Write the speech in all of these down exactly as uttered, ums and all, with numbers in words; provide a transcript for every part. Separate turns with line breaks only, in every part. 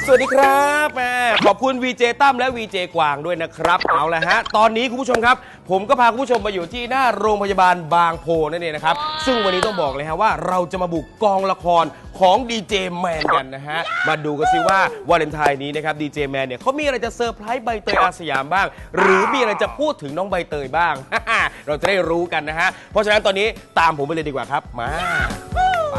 สวัสดีครับแม่ขอบคุณ วี เจ ตั้มและ วี เจ กวางด้วยนะครับเอาละฮะตอนนี้คุณผู้ชมครับผมก็พาคุณผู้ชมมาอยู่ที่หน้าโรงพยาบาลบางโพนั่นเองนะครับซึ่งวันนี้ต้องบอกเลยฮะว่าเราจะมาบุกกองละครของดีเจแมนกันนะฮะมาดูกันซิว่าวาเลนไทน์นี้นะครับดีเจแมนเนี่ยเขามีอะไรจะเซอร์ไพรส์ใบเตยอาสยามบ้างหรือมีอะไรจะพูดถึงน้องใบเตยบ้าง เราจะได้รู้กันนะฮะเพราะฉะนั้นตอนนี้ตามผมไปเลยดีกว่าครับมาไป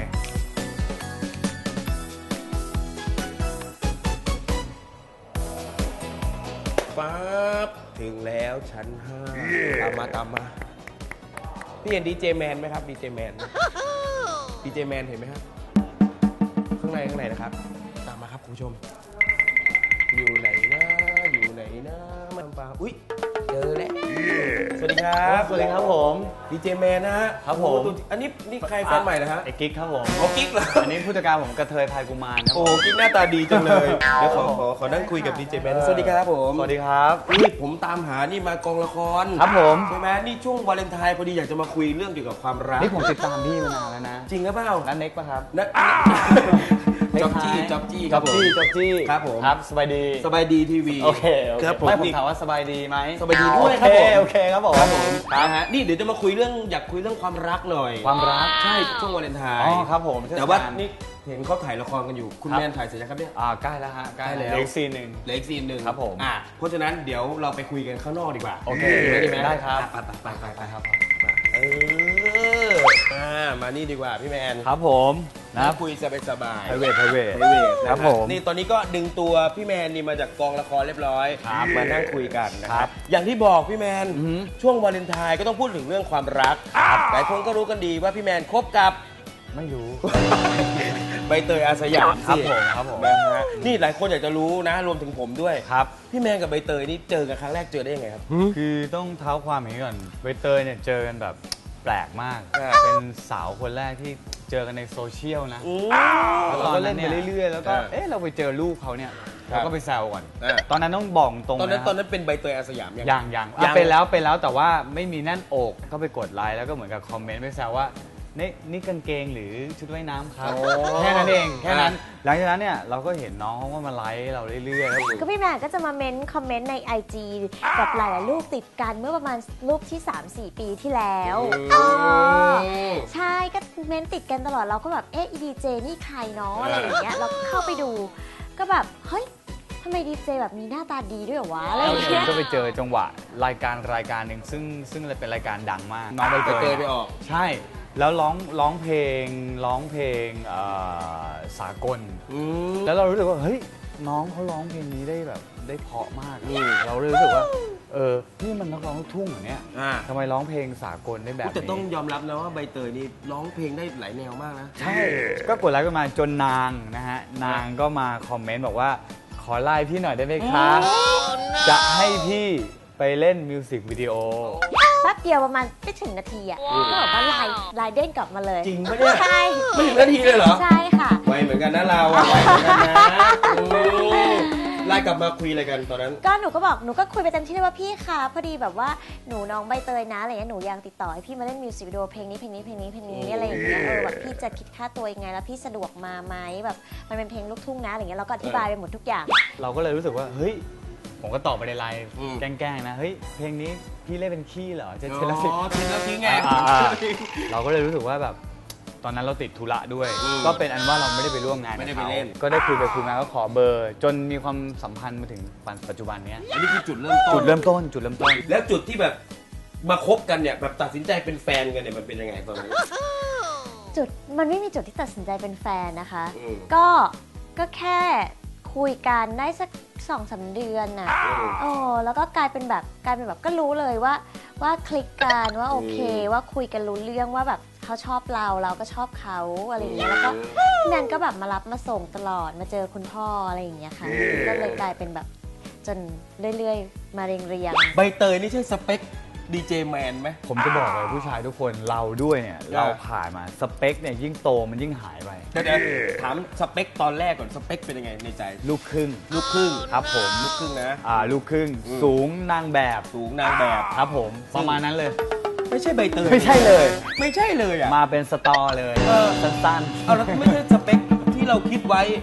ปั๊บถึงแล้วชั้นห้า yeah. ตามมาตามมาพี่เห็นดีเจแมนไหมครับดีเจแมนดีเจแมนเห็นไหมครับข้างในข้างในนะครับตามมาครับคุณผู้ชมอยู่ไหนนะอยู่ไหนนะมันปลาอุ้ยเจอแล้ว yeah. สวัสดีครับ
สวัสดีครับผม
ดีเจแมนนะฮะ
ครับผม
อันนี้นี่ใครแฟนใหม่นะฮะ
ไอ้กิ๊กครับผม
โอ้กิ๊กเหรอ
อันนี้ผู้จัดการผมกระเทยพายกุมารครับ
โอ้กิ๊กหน้าตาดีจังเลยเดี๋ยวขอขอขอนั่งคุยกับดีเจแมนสวัสดีครับผม
สวัสดีครับ
นี่ผมตามหานี่มากองละคร
ครับผม
ใช่ไหมนี่ช่วงวาเลนไทน์พอดีอยากจะมาคุยเรื่องเกี่ยวกับความรัก
นี่ผมติดตามพี่มานานแล้วนะ
จริงหรือเปล่า
นั่นเน็กป่ะครับ
นั่นจ๊อบจี้จ๊อบจี้
จ๊อบจี้จ๊อบจี้
ครับผม
ครับสบายดี
สบายดีทีวี
โอเค
ครับผม
ไม่ผมถามว่าสบายดีไหม
สบายดีด้วยครับผม
โอเคครับผม
ครับผมนะฮะนี่เดี๋ยวจะมาคุยเรื่องอยากคุยเรื่องความรักหน่อย
ความรัก
ใช่ช่วงวาเลนไทน์
อ๋อครับผม
แต่ว่านี่เห็นเขาถ่ายละครกันอยู่คุณแมนถ่ายเสร็จแล้วครับเนี่ย
อ่าใกล้แล้วฮะใกล้แล้วเหลืออีกซีนหนึ่ง
เหลืออีกซีนหนึ่ง
ครับผม
อ่าเพราะฉะนั้นเดี๋ยวเราไปคุยกันข้างนอกดีกว่า
โอเคดีไหม
ได้
ครับ
ไปไปไปไปครับเอออ่ามานี่ดีกว่าพี่แมน
ครับผม
นะคุยสบายสบาย
private private
ครับผมนี่ตอนนี้ก็ดึงตัวพี่แมนนี่มาจากกองละครเรียบร้อยมานั่งคุยกันนะครับอย่างที่บอกพี่แมนช่วงวาเลนไทน์ก็ต้องพูดถึงเรื่องความรักหลายคนก็รู้กันดีว่าพี่แมนคบกับ
ไม่รู้
ใบเตยอาสยาม
ครับผมครับผม
นะฮะนี่หลายคนอยากจะรู้นะรวมถึงผมด้วย
ครับ
พี่แมนกับใบเตยนี่เจอกันครั้งแรกเจอได้ยังไงครับ
คือต้องเท้าความอย่างนี้ก่อนใบเตยเนี่ยเจอกันแบบแปลกมากเป็นสาวคนแรกที่เจอกันในโซเชียลนะแล้วตอนนั้นเนี่ยเรื่อยๆแล้วก็เอ๊ะเราไปเจอลูกเขาเนี่ยเราก็ไปแซวก่อนตอนนั้นต้องบอกตรง
ตอนนั้นตอนนั้นเป็นใบเตยอาสยาม
ยังยังเป็นแล้วเป็นแล้วแต่ว่าไม่มีแน่นอกก็ไปกดไลค์แล้วก็เหมือนกับคอมเมนต์ไปแซวว่านี่นี่กางเกงหรือชุดว่ายน้ำครับแค่นั้นเองแค่นั้นหลังจากนั้นเนี่ยเราก็เห็นน้องเขาก็มาไลค์เราเรื่อยๆ
ก็พี่แมนก็จะมาเม้นคอมเมนต์ใน ไอ จี กับหลายๆรูปติดกันเมื่อประมาณรูปที่ สามสี่ ปีที่แล้วอ๋อใช่ก็เม้นติดกันตลอดเราก็แบบเอ๊ะดีเจนี่ใครเนาะอะไรอย่างเงี้ยเราเข้าไปดูก็แบบเฮ้ยทำไมดีเจแบบมีหน้าตาดีด้วยเหรอวะอะไรอย่างเงี้ย
ก็ไปเจอจังหวะรายการรายการหนึ่งซึ่งซึ่งเป็นรายการดังมาก
น้องใบเตยไปออก
ใช่แล้วร้องร้องเพลงร้องเพลงสากลแล้วเรารู้สึกว่าเฮ้ยน้องเขาร้องเพลงนี้ได้แบบได้เพราะมากเราเลยรู้สึกว่าเออนี่มันนักร้องลูกทุ่งอย่างเนี้ยทำไมร้องเพลงสากลได้แบบนี้
แต่ต้องยอมรับนะว่าใบเตยนี่ร้องเพลงได้หลายแนวมากนะ
ใช่ก็กดไลค์กันมาจนนางนะฮะนางก็มาคอมเมนต์บอกว่าขอไลน์พี่หน่อยได้ไหมคะจะให้พี่ไปเล่นมิวสิกวิดีโอ
แป๊บเดียวประมาณไม่ถึงนาทีอ่ะก็แบบว่าไลน์ไลน์เด้งกลับมาเลย
จริงปะเนี่ย
ใช่
ไม่ถึงนาทีเลยเหรอ
ใช่ค่ะ
ไวเหมือนกันนะเราไวเหมือนกันนะไลน์กลับมาคุยอะไรกันตอนนั้น
ก็หนูก็บอกหนูก็คุยไปเต็มที่เลยว่าพี่คะพอดีแบบว่าหนูน้องใบเตยนะอะไรเงี้ยหนูยังติดต่อให้พี่มาเล่นมิวสิกวิดีโอเพลงนี้เพลงนี้เพลงนี้เพลงนี้อะไรอย่างเงี้ยเออแบบพี่จะคิดค่าตัวยังไงแล้วพี่สะดวกมาไหมแบบมันเป็นเพลงลูกทุ่งนะอะไรเงี้ยเราก็อธิบายไปหมดทุกอย่าง
เราก็เลยรู้สึกว่าเฮ้ยผมก็ตอบไปในไลน์แกล้งๆนะเฮ้ยเพลงนี้พี่เล่นเป็นขี้เหรอจะเทเล
สิเทเลสิไง
เราก็เลยรู้สึกว่าแบบตอนนั้นเราติดธุระด้วยก็เป็นอันว่าเราไม่ได้ไปร่วมงานกับเขาก็ได้คุยไปคุยมาก็ขอเบอร์จนมีความสัมพันธ์มาถึงปัจจุบันนี้
อันนี้คือจุดเริ่มต้น
จุดเริ่มต้นจุดเริ่มต้น
แล้วจุดที่แบบมาคบกันเนี่ยแบบตัดสินใจเป็นแฟนกันเนี่ยมันเป็นยังไงตอนนี้
จุดมันไม่มีจุดที่ตัดสินใจเป็นแฟนนะคะก็ก็แค่คุยกันได้สักสองสามเดือนน่ะโอ้แล้วก็กลายเป็นแบบกลายเป็นแบบก็รู้เลยว่าว่าคลิกกันว่าโอเคว่าคุยกันรู้เรื่องว่าแบบเขาชอบเราเราก็ชอบเขาอะไรอย่างเงี้ยแล้วก็พี่แมนก็แบบมารับมาส่งตลอดมาเจอคุณพ่ออะไรอย่างเงี้ยค่ะก็เลยกลายเป็นแบบจนเรื่อยๆมาเรียงเรียง
ใบเตยนี่ใช่สเปคดีเจแมนไหม
ผมจะบอกเลยผู้ชายทุกคนเราด้วยเนี่ยเราผ่านมาสเปคเนี่ยยิ่งโตมันยิ่งหายไป
เดี๋ยวถามสเปคตอนแรกก่อนสเปคเป็นยังไงในใจ
ลูกครึ่ง
ลูกครึ่ง
ครับผม
ลูกครึ่งนะ
อ่าลูกครึ่งสูงนางแบบ
สูงนางแบบ
ครับผมประมาณนั้นเลย
ไม่ใช่ใบเตย
ไม่ใช่เลย
ไม่ใช่เลยอ่ะ
มาเป็นสตอเลยสั้น
ๆเอาแล้วไม่ใช่สเปคที่เราคิดไว้
ค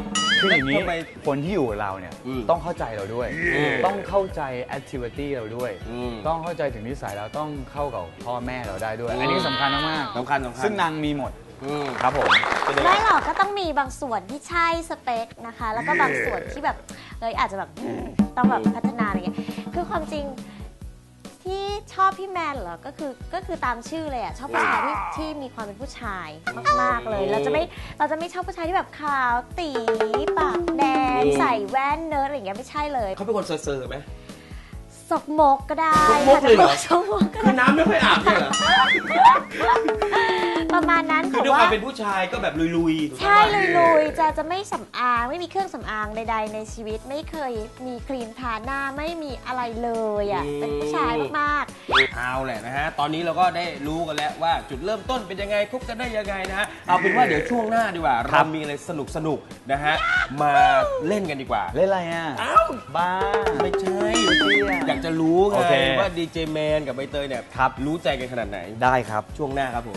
คืออย่างนี้
ทำไม
คนที่อยู่กับเราเนี่ย
อืม
ต้องเข้าใจเราด้วย
อืม
ต้องเข้าใจแอคทิวิตี้เราด้วย
อืม
ต้องเข้าใจถึงนิสัยเราต้องเข้ากับพ่อแม่เราได้ด้วย อันนี้สำคัญมาก
สำคัญสำคัญ
ซึ่งนางมีหมด
อืม
ครับผม
ไม่หรอกก็ต้องมีบางส่วนที่ใช่สเปคนะคะ แล้วก็บางส่วนที่แบบเอยอาจจะแบบอืมต้องแบบพัฒนาอะไรเงี้ยคือความจริงที่ชอบพี่แมนเหรอก็คือก็คือตามชื่อเลยอ่ะชอบผู้ชายที่ที่มีความเป็นผู้ชายมากๆเลย เราจะไม่เราจะไม่ชอบผู้ชายที่แบบขาวตีปากแดงใส่แว่นเนิร์ดอะไรอย่างเงี้ยไม่ใช่เลย
เขาเป็นคนเซอร์ๆไหม
สกมกก็ได้
สกมกเลยเหรอ
สกมกก็
คือ
ได้
น้ำไม่ค่อยอาบเนี่ยเหรอ
ประมาณนั้น
คือ
แต่
ด้วยค
ว่า
วามเป็นผู้ชายก็แบบลุยๆถูกต้อง
ใช่
ปะ
ลุยๆจะจะไม่สำอางไม่มีเครื่องสำอางใดๆในชีวิตไม่เคยมีครีมทาหน้าไม่มีอะไรเลยอ่ะเป็นผู้ชายมาก
เอาแหละนะฮะ ตอนนี้เราก็ได้รู้กันแล้วว่าจุดเริ่มต้นเป็นยังไงคบกันได้ยังไงนะฮะ เอาเป็นว่าเดี๋ยวช่วงหน้าดีกว่า
ครั
เรา
บ
มีอะไรสนุกสนุกๆนะฮะ มาเล่นกันดีกว่า
เล่นอะไรอ่ะ
อ้าว
บ้า
ไม่ใช่
เตี้ย
อยากจะรู้ไง
โอเค
ว่าดีเจแมนกับใบเตยเนี่ย
ครับ
รู้ใจกันขนาดไหน
ได้ครับ
ช่วงหน้าครับผม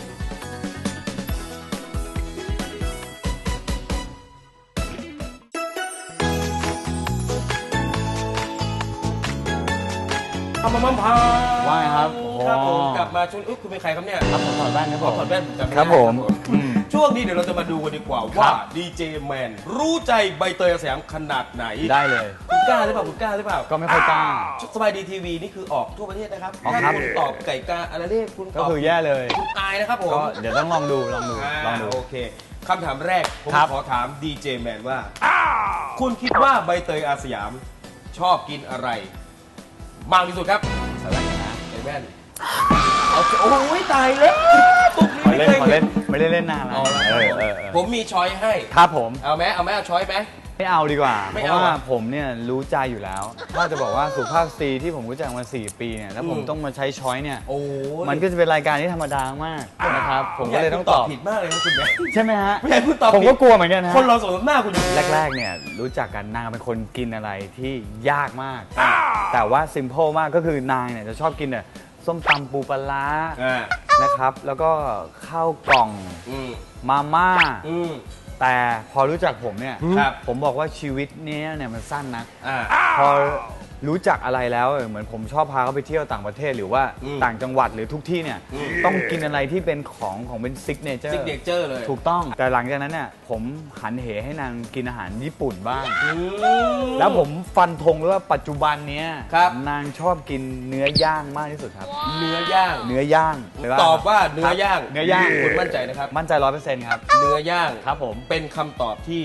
ทำมามั่มพา
ว่าไงครับ
ครับผม
โอ้
กลับมาช่วงอุ๊ยคุณเป็นใครครับเนี่ย
ครับผมถอดแว่นครับ
ข
ผ
อ
ม
ถอดแว่นผมจำไได้
ครับผมอืม
ช่วงนี้เดี๋ยวเราจะมาดูกันดีกว่า
ครั
ว่า
บ
ดีเจแมนรู้ใจใบเตยอาสยามขนาดไหน
ได้เลย
คุณกล้าหรือเปล่าคุณกล้าหรือเปล่า
ก็ไม่ค่อยกล้า
สบายดีทีวีนี่คือออกทั่วประเทศนะครับ
ออก
ถ้า
ครับ
คุณตอบไก่กาอะไรนี่คุณ
ก็
ตอบ
คือแย่เลย
คุณอายนะครับผม
ก็เดี๋ยวต้องลองดูลองดู
อ่า
ลองดู
โอเคคำถามแรก ผม
ครับ
ขอถามดีเจแมนว่า คุณคิดว่าใบเตยอาสยามชอบกินอะไร มากที่สุดครับสไลด์นะไอ้แว่นเอาโอ้ยตายแล้วตุ๊ก
ขอ
นี่
เล่น
ไม่
ขอ
เคย
เล่นไม่ได้เล่นนานแล้ว
เอาละ
เออเออเออ
ผมมีช้อยให้
ครับผม
เอาไหมเอาไหมเอาช้อยไหม
ไม่เอาดีกว่า
ไม่
เพ
เอา
ราะว่า
อ่ะ
ผมเนี่ยรู้ใจอยู่แล้ว ถ้าจะบอกว่าสุภาพสตรีที่ผมรู้จักมาสี่ปีเนี่ยแล้วผม
อืม
ต้องมาใช้ช้อยเนี่ย
โอ้ย
มันก็จะเป็นรายการที่ธรรมดามากนะครับ ผมก็เลยต้องตอบ
ผิดมากเลยนะคุณแม่
ใช่ไหมฮะ
ไม่ให้คุณตอบ
ผม
ผิ
ก็
ด
กลัวเหมือนกันนะ
คนเราสมน้ำหน้าคุณอยู่
แรกๆเนี่ยรู้จักกันนางเป็นคนกินอะไรที่ยากมาก แต่ว่าซิมเ l ิลมากก็คือนางเนี่ยจะชอบกินเนี่ยส้มตำปูปลาร้า
อ่า
นะครับ แล้วก็ข้าวกล่อง
อืม
มาม่า
อืม
แต่พอรู้จักผมเนี่ย
ครับ
ผมบอกว่าชีวิตเนี้ยเนี่ยมันสั้นนะ
อ่า
พอรู้จักอะไรแล้วเออเหมือนผมชอบพาเขาไปเที่ยวต่างประเทศหรือว่า
อืม
ต่างจังหวัดหรือทุกที่เนี่ย
อืม
ต้องกินอะไรที่เป็นของของเป็นซิกเนเจอร์
ซิกเนเจอร์เลย
ถูกต้องแต่หลังจากนั้นเนี่ยผมหันเหให้นางกินอาหารญี่ปุ่นบ้าง
อืม
แล้วผมฟันธงเลยว่าปัจจุบันเนี้ย
ครับ
นางชอบกินเนื้อย่างมากที่สุดครับ
เนื้อย่าง
เนื้อย่างไป
ตอบว่าเนื้อย่าง
เนื้อย่าง
คุณมั่นใจนะครับ
มั่นใจร้อยเปอร์เซ็นต์ครับ
เนื้อย่าง
ครับผม
เป็นคำตอบที่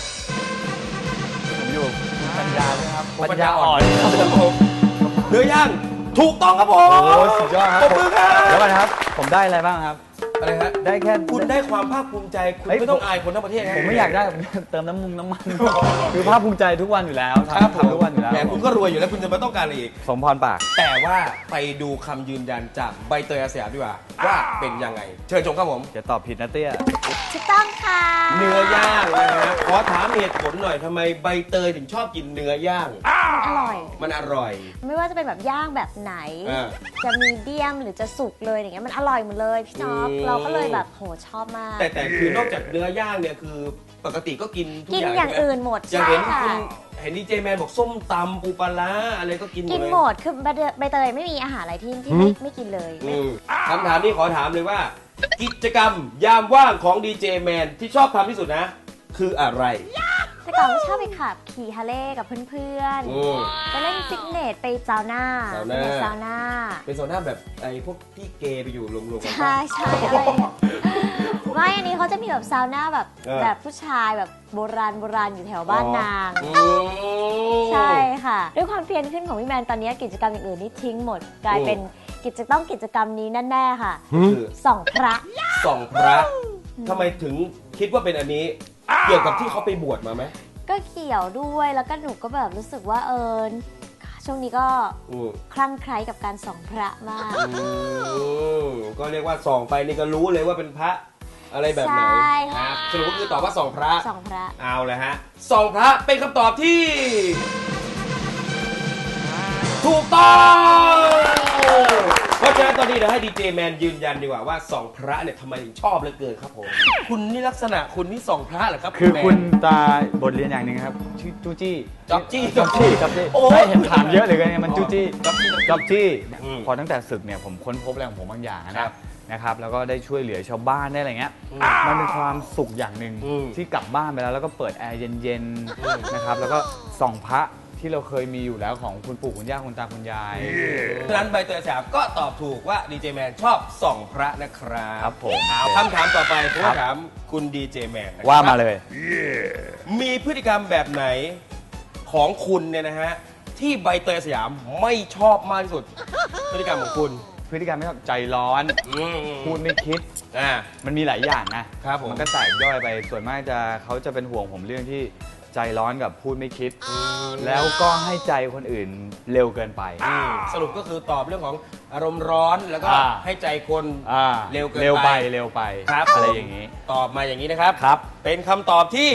ผมอยู่คุณปัญญาด้วยครับ
ปัญญาอ่อนครับผมเนื้อย่างถูกต้องครับผม
โอ้โหสุดยอดครับ
ปรบมือครับ
เดี๋ยวก่อนนะครับ ผมได้อะไรบ้างครับ
อะไรฮะ
ได้แค่
คุณได้ความภาคภูมิใจ คุณ
เฮ้ย
ไม่ต้องอายคนทั้งประเทศครับ
ผมไม่อยากได้ เติมน้ำมุงน้ำมัน คือภาคภูมิใจทุกวันอยู่แล้ว
ครับ
ทำทำทุกวันอยู่แล้ว
แหมคุณก็รวยอยู่แล้วคุณจะไม่ต้องการอะไรอีก
สมพรปาก
แต่ว่าไปดูคำยืนยันจากใบเตยอาสยามดีกว่า ว่าเป็นยังไง เชิญชมครับผม
จะตอบผิดนะเตี้ย
ๆถูกต้องค่ะ
เนื้อย่างนะฮะขอถามเหตุผลหน่อยทำไมใบเตยถึงชอบกินเนื้อย่าง
อร่อย
มันอร่อย
ไม่ว่าจะเป็นแบบย่างแบบไหน
อ่า
จะมีเดียมหรือจะสุกเลยอย่างเงี้ยมันอร่อยหมดเลยพี่จ๊อบ
อืม
เราก็เลยแบบโหชอบมาก
แต่แต่คือนอกจากเนื้อย่างเนี่ยคือปกติก็กินทุก
กิน
อย่าง
อย่าง
ใช่ไหม
อื่นหมด
อย่าง
ใช่
เห็น
ค่ะ
คุณเห็นดีเจแมนบอกส้มตำปูปลาร้าอะไรก็กินหม
กิ
ด
น
เลย
หมดคือใบเตยใบเตยไม่มีอาหารอะไรที่ที่ไม่ไม่กินเลย
อืมคำถามนี้ขอถามเลยว่า กิจกรรมยามว่างของดีเจแมนที่ชอบทำที่สุดนะ คืออะไร
แต่ก่อนก็ชอบไปขับขี่ฮาร์เลย์กับเพื่อน
อืม
ๆไปเล่นฟิตเนสไปซาวน่า
ซาวน่า
ไปซาวน่า
เป็นโซน่าแบบไอ้พวกพี่เกย์ไปอยู่รวมๆกัน
ใช่ใช่อะไรเนี่ยไม่อันนี้เขาจะมีแบบซาวน่าแบบ
เออ
แบบผู้ชายแบบโบราณโบราณอยู่แถวบ้านนาง
อืม
ใช่ค่ะ ด้วยความเพียรขึ้นของพี่แมนตอนนี้กิจกรรมอย่างอื่นนี่ทิ้งหมด กลายเป็นกิจต้องกิจกรรมนี้แน่ๆค่ะ
คือ
ส่องพระ
ส่องพระทำไมถึงคิดว่าเป็นอันนี้ เกี่ยวกับที่เขาไปบวชมาไหม
ก็เกี่ยวด้วยแล้วก็หนูก็แบบรู้สึกว่าเออช่วงนี้ก็
อืม
คลั่งไคล้กับการส่องพระมาก
อืมก็เรียกว่าส่องไปนี่ก็รู้เลยว่าเป็นพระอะไรแบบไหน
ใช่
ครับสรุปก็คือตอบว่าส่องพระ
ส่องพระ
เอาเลยฮะส่องพระเป็นคำตอบที่ ถูกต้องเพราะฉะนั้นตอนนี้เดี๋ยวให้ดีเจแมนยืนยันดีกว่าว่าส่องพระเนี่ยทำไมถึงชอบเหลือเกินครับผมคุณนี่ลักษณะคุณนี่ส่องพระเหรอครับ
คือ
แมน
คุณตาบทเรียนอย่างหนึ่งครับชื่อจูจี้
จ๊อบจี้
จ๊อบจี้จ๊อบจี้
โอ้
ใช่เห็นถามเยอะเลยกันเนี่ยมันจูจี้
จ๊อบจี้
จ๊อบจี้
อืม
พอตั้งแต่ศึกเนี่ยผมค้นพบอะไรของผมบางอย่างนะครับ นะครับแล้วก็ได้ช่วยเหลือชาวบ้านได้อะไรเงี้ยมันเป็นความสุขอย่างหนึ่ง
อืม
ที่กลับบ้านไปแล้วแล้วก็เปิดแอร์เย็นๆนะครับแล้วก็ส่องพระที่เราเคยมีอยู่แล้วของคุณปู่คุณย่าคุณตาคุณยาย
ฉะนั้นใบเตยสยามก็ตอบถูกว่าดีเจแมนชอบส่องพระนะครับ
ครับผม
เอาคำถามต่อไปผมถามคุณดีเจแมนนะครับ
ว่ามาเลย
มีพฤติกรรมแบบไหนของคุณเนี่ยนะฮะที่ใบเตยสยามไม่ชอบมากที่สุด พฤติกรรมของคุณ
พฤติกรรมไม่ชอบใจร้อน
อืม
พูดไม่คิด
อ่า
มันมีหลายอย่างนะครับ
ผม
มันก็แตกย่อยไปส่วนมากจะเขาจะเป็นห่วงผมเรื่องที่ใจร้อนกับพูดไม่คิด แล้วก็ให้ใจคนอื่นเร็วเกินไป
อืมสรุปก็คือตอบเรื่องของอารมณ์ร้อนแล้วก็
อ่า
ให้ใจคน
อ่า
เร็วเกินไป
เร็วไปเร็วไป
ครับ
อะไรอย่างนี้
ตอบมาอย่างนี้นะครับ
ครับ
เป็นคำตอบที่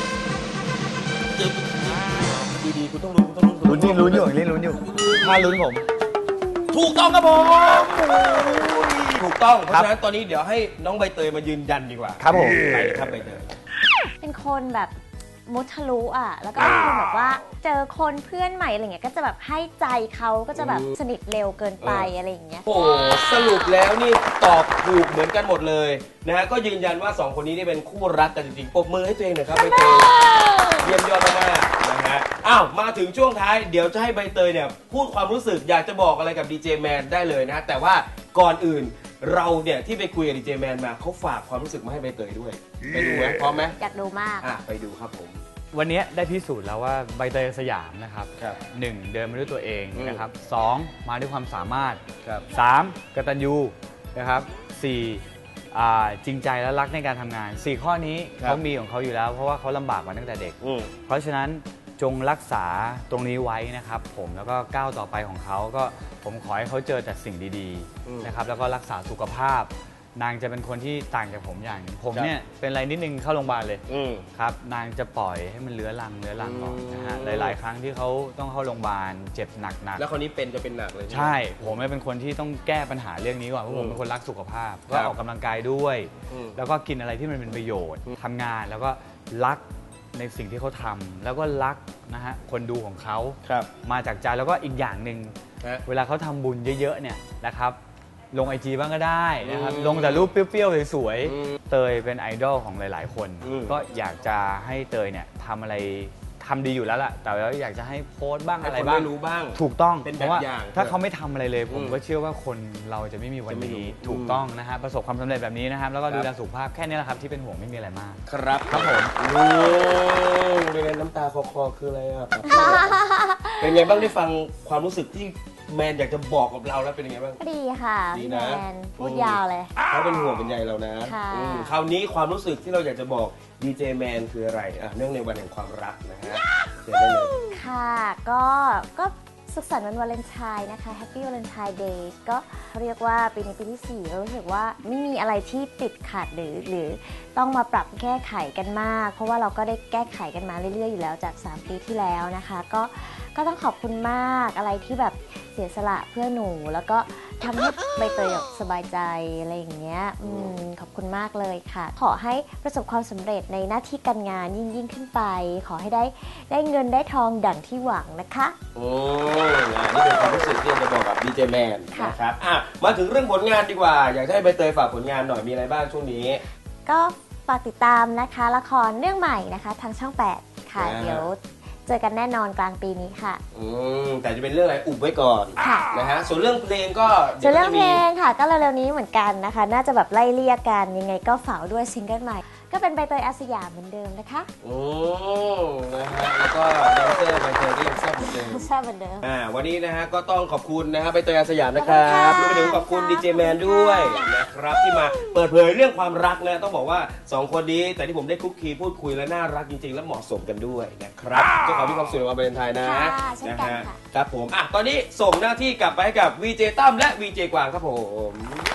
ดีๆคุณต้องรู้คุณต้องรู้
ลุ้นนี่ลุ้นอยู่นี่ลุ้นอยู่ถ้าลุ้นผม
ถูกต้องครับผมถูกต้องเพ
ครั
ราะ
บ
ฉะนั้นตอนนี้เดี๋ยวให้น้องใบเตยมายืนยันดีกว่า
ครับผม
ไปครับใบเตย
เป็นคนแบบมุทะลุอ่ะ แล้วก็เป็นคนแบบว่าเจอคนเพื่อนใหม่อะไรเงี้ยก็จะแบบให้ใจเขาก็จะแบบสนิทเร็วเกินไปอะไรอย่างเงี้ย
โอ้โหสรุปแล้วนี่ตอบถูกเหมือนกันหมดเลยนะฮะก็ยืนยันว่าสองคนนี้นี่เป็นคู่รักกันจริงๆปรบมือให้ตัวเองหน่อยครับใบเตยเยี่ยมยอดมากๆนะฮะอ้าวมาถึงช่วงท้ายเดี๋ยวจะให้ใบเตยเนี่ยพูดความรู้สึกอยากจะบอกอะไรกับดีเจแมนได้เลยนะแต่ว่าก่อนอื่นเราเนี่ยที่ไปคุยกับดีเจแมนมาเขาฝากความรู้สึกมาให้ใบเตยด้วยไปดูไหมพร้อมไหม
อยากดูมาก
อ่ะไปดูครับผม
วันนี้ได้พิสูจน์แล้วว่าใบเตยสยามนะครับ
ครับ
หนึ่งเดินมาด้วยตัวเอง
อืม
นะครับสองมาด้วยความสามารถ
ครับ
สามกตัญญูนะครับสี่อ่าจริงใจและรักในการทำงานสี่ข้อนี้
ครับ
เขามีของเขาอยู่แล้ว เพราะว่าเขาลำบากมาตั้งแต่เด็ก
อืม
เพราะฉะนั้นจงรักษาตรงนี้ไว้นะครับผมแล้วก็ก้าวต่อไปของเขาก็ผมขอให้เขาเจอแต่สิ่งดี
อืม
ๆนะครับแล้วก็รักษาสุขภาพ นางจะเป็นคนที่ต่างจากผมอย่างหนึ่งผม
ครับ
เนี่ยเป็นอะไรนิดนึงเข้าโรงพยาบาลเลย
อืม
ครับนางจะปล่อยให้มันเลื้อรังเลื้อรังก่อนนะฮะ
อืม
หลาย ๆ ครั้งที่เขาต้องเข้าโรงพยาบาลเจ็บหนัก
แล้วคนนี้เป็นจะเป็นหนักเลย
ๆใช่ ผมเนี่ยเป็นคนที่ต้องแก้ปัญหาเรื่องนี้ก่อนเพราะผมเป็นคนรักสุขภาพ
ค
ก็
รับ
ออกกำลังกายด้วย
อืม
แล้วก็กินอะไรที่มันเป็นประโยชน์ทำงานแล้วก็รักในสิ่งที่เขาทำแล้วก็รักนะฮะคนดูของเขา
ครับ
มาจากใจแล้วก็อีกอย่างหนึ่ง
ฮะ
เวลาเขาทำบุญเยอะ ๆ เนี่ยนะครับลงไอจีบ้างก็ได้นะครับ
อืม
ลงแต่รูปเปรี้ยวๆสวย
อืม
ๆเตยเป็นไอดอลของหลาย ๆ คน
อืม
ก็อยากจะให้เตยเนี่ยทำอะไรทำดีอยู่แล้วล่ะแต่ว่าอยากจะให้โพสต์บ้าง
ให้
อะไร
คน
บ้าง
ได้รู้บ้าง
ถูกต้อง
เป็น
เพราะว่า
แบบอย่าง
ถ้าเขาไม่ทำอะไรเลย ผม
อืม
ก็เชื่อว่าคนเราจะไม่มีวัน
จะไม่รู้
นี้ถูกต้องนะฮะประสบความสำเร็จแบบนี้นะครับแล้วก็
ครับ
ดูแลสุขภาพแค่นี้แหละครับที่เป็นห่วงไม่มีอะไรมาก
ครับครับผมโอ้เป็นไงน้ำตาคอคอคืออะไรอ่ะ เป็นไงบ้างได้ฟังความรู้สึกที่แมนอยากจะบอกกับเราแล้วเป็นยังไงบ้าง
ก็ดีค่ะ
ดี
พี่
นะ
แมนพูดยาวเลย
เขาเป็นห่วงเป็นใยเรานะ
ค่ะ
อืมคราวนี้ความรู้สึกที่เราอยากจะบอกดีเจแมนคืออะไรอ่ะเนื่องในวันแห่งความรักนะฮะเชิญได้เลย
ค่ะก็ก็สุขสันต์วันวาเลนไทน์นะคะ Happy Valentine Day ก็เรียกว่าปีนี้ปีที่สี่ก็รู้สึกว่าไม่มีอะไรที่ติดขัดหรือหรือต้องมาปรับแก้ไขกันมาก เพราะว่าเราก็ได้แก้ไขกันมาเรื่อยๆอยู่แล้วจากสามปีที่แล้วนะคะก็ก็ต้องขอบคุณมากอะไรที่แบบเสียสละเพื่อหนู แล้วก็ทำให้ใบเตยแบบสบายใจอะไรอย่างเงี้ยอืมขอบคุณมากเลยค่ะ ขอให้ประสบความสำเร็จในหน้าที่การงานยิ่งยิ่งขึ้นไป ขอให้ได้ได้เงินได้ทองดั่งที่หวังนะคะ
โอ้นะนี่เป็นความรู้สึกที่อยากจะบอกกับดีเจแมน
ค่ะ
นะครับอ่ะมาถึงเรื่องผลงานดีกว่า อยากจะให้ใบเตยฝากผลงานหน่อยมีอะไรบ้างช่วงนี้
ก็ฝากติดตามนะคะละครเรื่องใหม่นะคะทางช่องแปดค่ะ
อ่า
เดี๋ยวเจอกันแน่นอนกลางปีนี้ค่ะ
อืมแต่จะเป็นเรื่องอะไรอุบไว้ก่อน
ค่ะ
นะฮะส่วนเรื่องเพลงก็
ส่วนเรื่องเพล
ดี๋ยว
งค่ะ ก็เร็วๆนี้เหมือนกันนะคะ น่าจะแบบไล่เลี่ยกันยังไงก็ฝากด้วยซิงเกิลใหม่ ก็เป็นใบเตยอาสยามเหมือนเดิมนะคะ
อืมนะฮะแล้วก็แดนเซอร์ใบเตยก็ยังแซ่บเหมือนเดิม
ใช่เหมือนเดิม
อ่าวันนี้นะฮะก็ต้องขอบคุณนะฮะใบเตยอาสยามนะครับ
ข
ร
อบคุณค่ะ
วมไปถึงขอบคุณดีเจแมนด้วยนะครับที่มาเปิดเผยเรื่องความรักนะต้องบอกว่าสองคนนี้แต่ที่ผมได้คุกคีพูดคุยและน่ารักจริงๆ และเหมาะสมกันด้วยนะครับก็ขอมีความสุขในวันวาเลนไทน์นะ
ค่ะเช่นกัน
ฮะ
ค่ะ
ครับผมอ่ะตอนนี้ส่งหน้าที่กลับไปให้กับวีเจตั้มและวีเจกวางครับผม